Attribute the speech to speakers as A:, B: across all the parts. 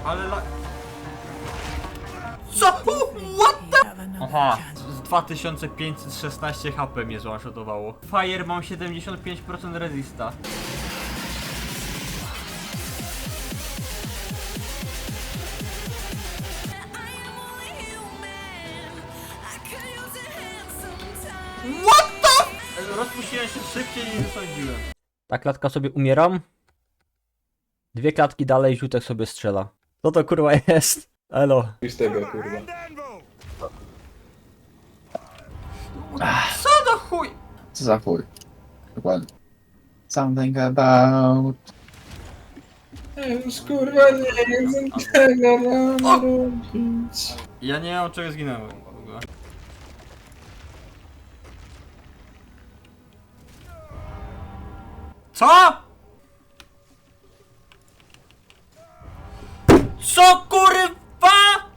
A: Ale co? What the? Aha, z 2516 HP mnie zwanshotowało. Fire mam 75% resista. What the? Rozpuściłem się szybciej niż sądziłem. Ta klatka sobie umieram. 2 klatki dalej Ziutek sobie strzela. Co to kurwa jest? Elo.
B: Już tego, kurwa.
A: Co do chuj?
C: Co za chuj? Dokładnie. Something about...
B: Już kurwa nie wiem tego mam robić.
A: Ja nie wiem od czego zginąłem w ogóle. Co? Co kurwa?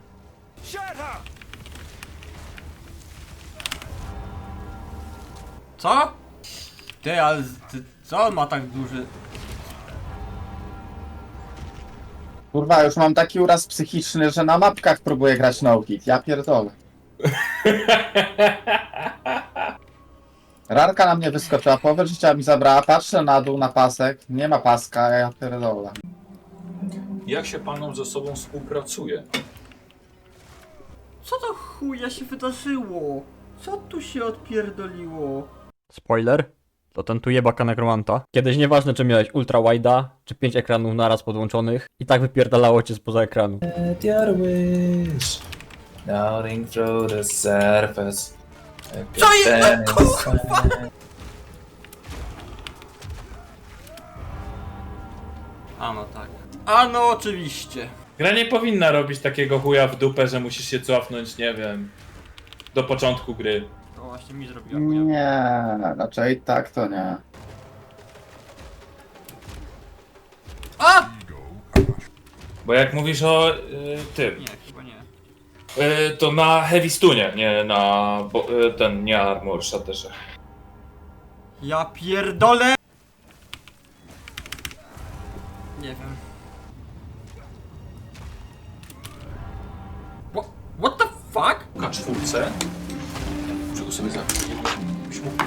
A: Co? Ty, ale co on ma tak duży?
C: Kurwa, już mam taki uraz psychiczny, że na mapkach próbuję grać no-hit. Ja pierdolę. Rarka na mnie wyskoczyła, połowę życia mi zabrała, patrzę na dół, na pasek, nie ma paska, ja pierdolę.
D: Jak się panom ze sobą współpracuje?
A: Co to chuja się wydarzyło? Co tu się odpierdoliło? Spoiler? To ten tu jebaka nekromanta. Kiedyś nieważne czy miałeś ultra wide'a, czy 5 ekranów naraz podłączonych, i tak wypierdalało cię spoza ekranu.
B: Let your wish darting through the surface.
A: Co jest? Kurwa! A no tak. A no oczywiście.
B: Gra nie powinna robić takiego chuja w dupę, że musisz się cofnąć, nie wiem, do początku gry.
A: To właśnie mi zrobiła chuja.
C: Nie, raczej tak to nie.
A: A!
B: Bo jak mówisz o tym,
A: Nie, chyba nie.
B: to na Heavy Stunie, nie na ten, nie Armor Shatterze.
A: Ja pierdolę! Nie wiem. What the fuck?
D: Na czwórce? Czego sobie za... Byś mógł...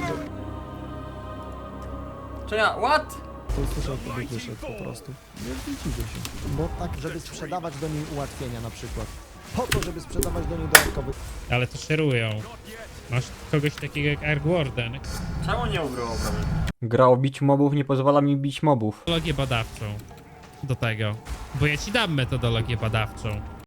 A: Czy ja, what?
E: To usłyszał, to wyszedł po prostu. Nie dziwię się. Bo tak, żeby sprzedawać do niej ułatwienia na przykład. Po to, żeby sprzedawać do niej dodatkowych.
F: Ale to szerują. Masz kogoś takiego jak Ark Warden.
A: Czemu nie ubrało prawie? Gra o bić mobów nie pozwala mi bić mobów.
F: Metodologię badawczą. Do tego. Bo ja ci dam metodologię badawczą.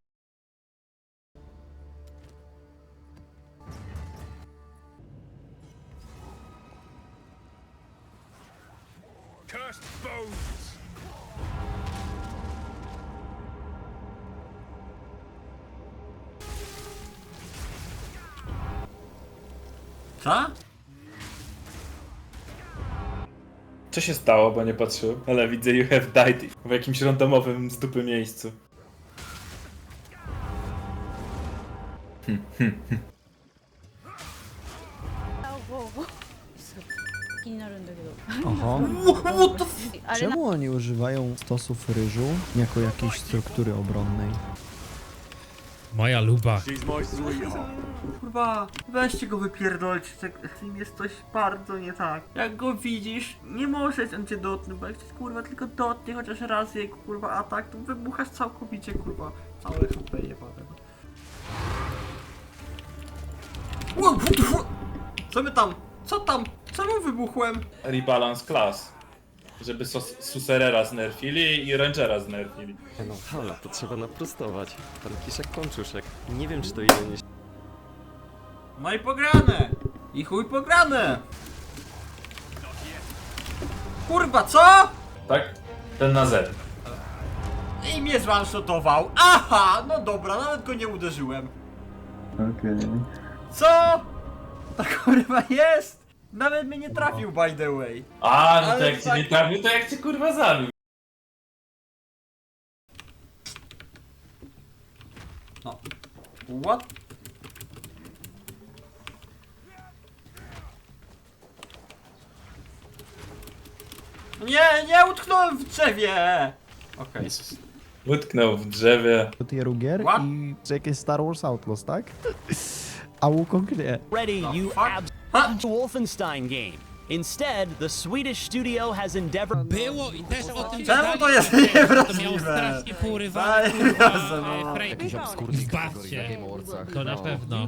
A: Co?
B: Co się stało, bo nie patrzyłem? Ale widzę you have died w jakimś randomowym z dupy miejscu.
E: Aha.
A: What the f...
E: Czemu oni używają stosów ryżu jako jakiejś struktury obronnej?
F: Moja luba.
A: Kurwa, weźcie go wypierdolcie, z nim jest coś bardzo nie tak. Jak go widzisz, nie możesz on cię dotknąć, bo jak cię kurwa tylko dotknie chociaż raz jego kurwa atak, to wybuchasz całkowicie kurwa. Całe HP jebane. Co my tam? Co tam? Czemu wybuchłem?
B: Rebalance class. Żeby Suserera znerfili i Rangera znerfili.
G: No halo, to trzeba naprostować. Pan Kiszek Kączuszek. Nie wiem, czy to ile nie...
A: No i pograne! I chuj pograne! Kurwa, co?
B: Tak? Ten na Z.
A: I mnie zwanshotował. Aha, no dobra, nawet go nie uderzyłem.
C: Okej.
A: Co? Ta kurwa jest! Nawet mnie nie trafił, by the way.
B: A, no to
A: Ale
B: jak cię
A: tak-
B: nie trafił, to jak cię kurwa zabił.
A: No. What? Nie, nie utknąłem w drzewie! Okej.
C: Jezus.
B: Utknął w drzewie.
E: tieru gier
A: What?
E: i jakieś Star Wars Outlaws, tak? A Wukong nie.
H: Ready, you
A: Ha?
H: Wolfenstein game. Instead, the Swedish studio has endeavored.
F: Było i też o tym
A: Czemu
F: gadali,
A: to jest
F: że To miało
A: niewrażliwe?
F: strasznie pourywane,
A: Daj,
F: kurwa,
A: Boże, no.
F: frame.
E: Jakiś obskurny
F: Zbawcie. To na pewno.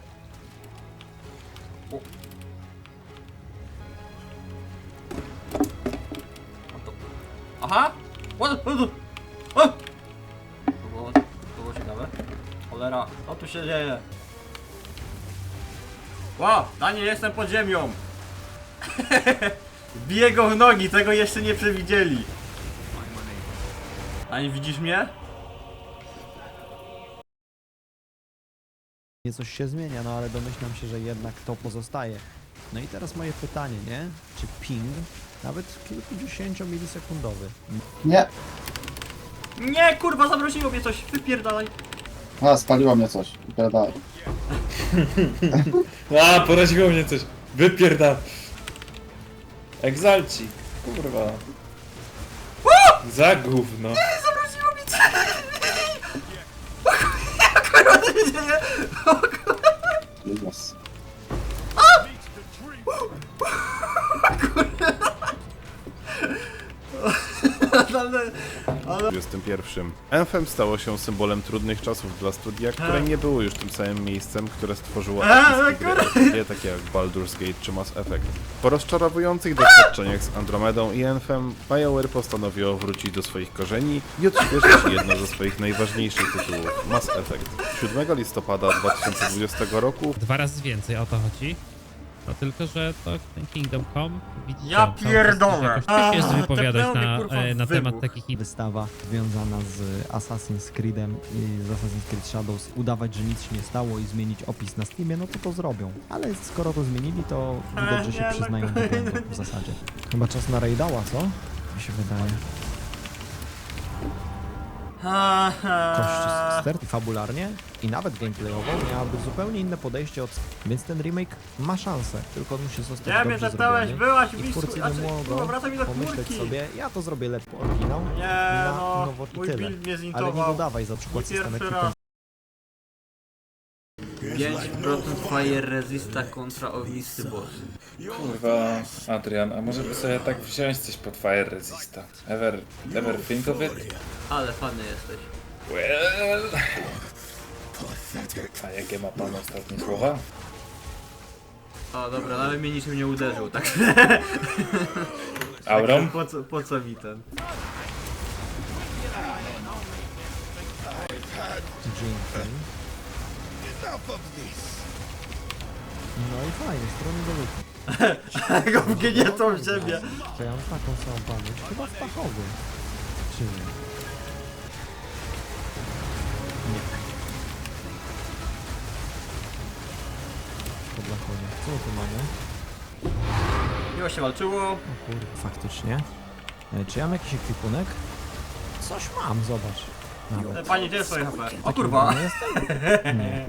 A: Aha! What? O! To było ciekawe. Cholera, co tu się dzieje? Wow, Daniel, jestem pod ziemią! Biję go w nogi, tego jeszcze nie przewidzieli. Daniel, widzisz mnie?
E: Nie, coś się zmienia, no ale domyślam się, że jednak to pozostaje. No i teraz moje pytanie, nie? Czy ping, nawet kilkudziesięciomilisekundowy,
C: Nie.
A: Nie, kurwa, zamroziło mnie coś, wypierdalaj.
C: A, spaliło mnie coś. Wypierdalaj.
B: A, poraziło mnie coś. Wypierdam. Egzalci. Kurwa. Za gówno.
A: Zamroziło mnie coś! Kurwa, co się dzieje?
C: Jezus.
A: Ale...
I: 21. Anthem stało się symbolem trudnych czasów dla studia, które nie było już tym samym miejscem, które stworzyło epickie gry, takie jak Baldur's Gate czy Mass Effect. Po rozczarowujących doświadczeniach z Andromedą i Anthem, BioWare postanowiło wrócić do swoich korzeni i odświeżyć jedno ze swoich najważniejszych tytułów, Mass Effect. 7 listopada 2020 roku
F: 2 razy więcej, o to chodzi. No tylko, że to ten Kingdom Come, widzicie,
A: Ja
F: cały czas
A: pierdolę.
F: jakoś ciężko jest
A: A,
F: wypowiadać
A: tepnęło
F: na,
A: mnie, kurwa, w
F: na temat
A: wybuch.
F: takich
E: wystawa związana z Assassin's Creedem i z Assassin's Creed Shadows, udawać, że nic się nie stało i zmienić opis na Steamie, no to zrobią. Ale skoro to zmienili, to widać, że się
A: nie, no
E: przyznają do błędu w zasadzie. Chyba czas na Raidała, co? Mi się wydaje. Kość ster fabularnie i nawet gameplayowo miałaby zupełnie inne podejście od... Więc ten remake ma szansę, tylko on musi zostać
A: Nie, mnie
E: dobrze
A: zepnąłeś,
E: zrobiony.
A: byłaś
E: I
A: w
E: twórcy
A: miejscu,
E: nie
A: kurwa,
E: mogą
A: wracaj mi do
E: pomyśleć
A: chmurki.
E: sobie, ja to zrobię lepiej oryginał
A: Nie,
E: na
A: no,
E: nowo i
A: mój
E: tyle.
A: build mnie
E: Ale nie
A: zintował.
E: dodawaj za przykład
A: Mój pierwszy
E: systemek
A: raz. 5% fire resista kontra ognisty boss.
B: Kurwa, Adrian, a może by sobie tak wziąć coś pod Fire Resista? Ever think of it?
A: Ale fany jesteś.
B: Well... A jakie ma pan ostatnie słowa?
A: O dobra, nawet mnie niczym nie uderzył, tak.
B: Auron?
A: Po co mi ten?
E: Dzięki. No i fajnie, strony do luki.
A: Go wgniecą w ziemię.
E: To ja mam taką samą pamięć, chyba w Tachowie. Czy nie? Nie. Po Blachonie. Co my tu mamy?
A: Miło się walczyło.
E: O kurde, faktycznie. Czy ja mam jakiś ekwipunek? Coś mam, zobacz. Nawet.
A: Pani, gdzie jest swoje HP? O
E: Taki
A: kurwa.
E: ubrany jestem? Nie.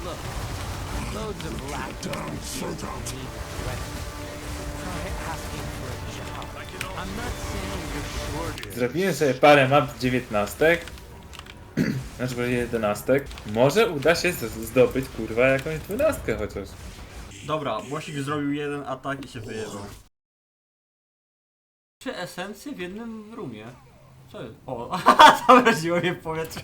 B: Zrobiłem sobie parę map 19. Znaczy może 11. Może uda się zdobyć kurwa jakąś 12 chociaż.
A: Dobra, Błosik zrobił jeden atak i się wyjebał. 3 esencje w jednym roomie. Co jest? O, zamroziło mnie w powietrze.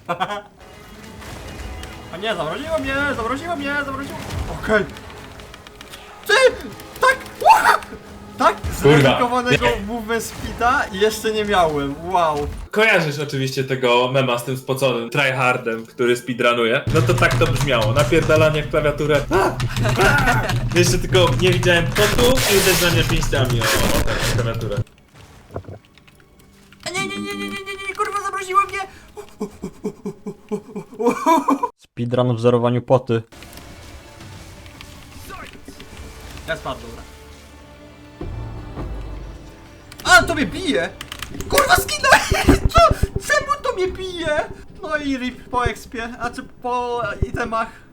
A: A nie, zamroziło mnie! Okej. Ty! Tak! Tak? Zweryfikowanego movement speeda jeszcze nie miałem. Wow.
B: Kojarzysz oczywiście tego mema z tym spoconym tryhardem, który speedrunuje? No to tak to brzmiało. Napierdalanie w klawiaturę. Jeszcze tylko nie widziałem potu i uderzania pięściami o tę klawiaturę.
A: A nie, kurwa, zamroziło mnie! Speedrun w zerowaniu poty. Ja spadł, dobra. A, to mnie bije! Kurwa, skinąłem! Co? Czemu to mnie bije? No i rip po expie, a czy po itemach.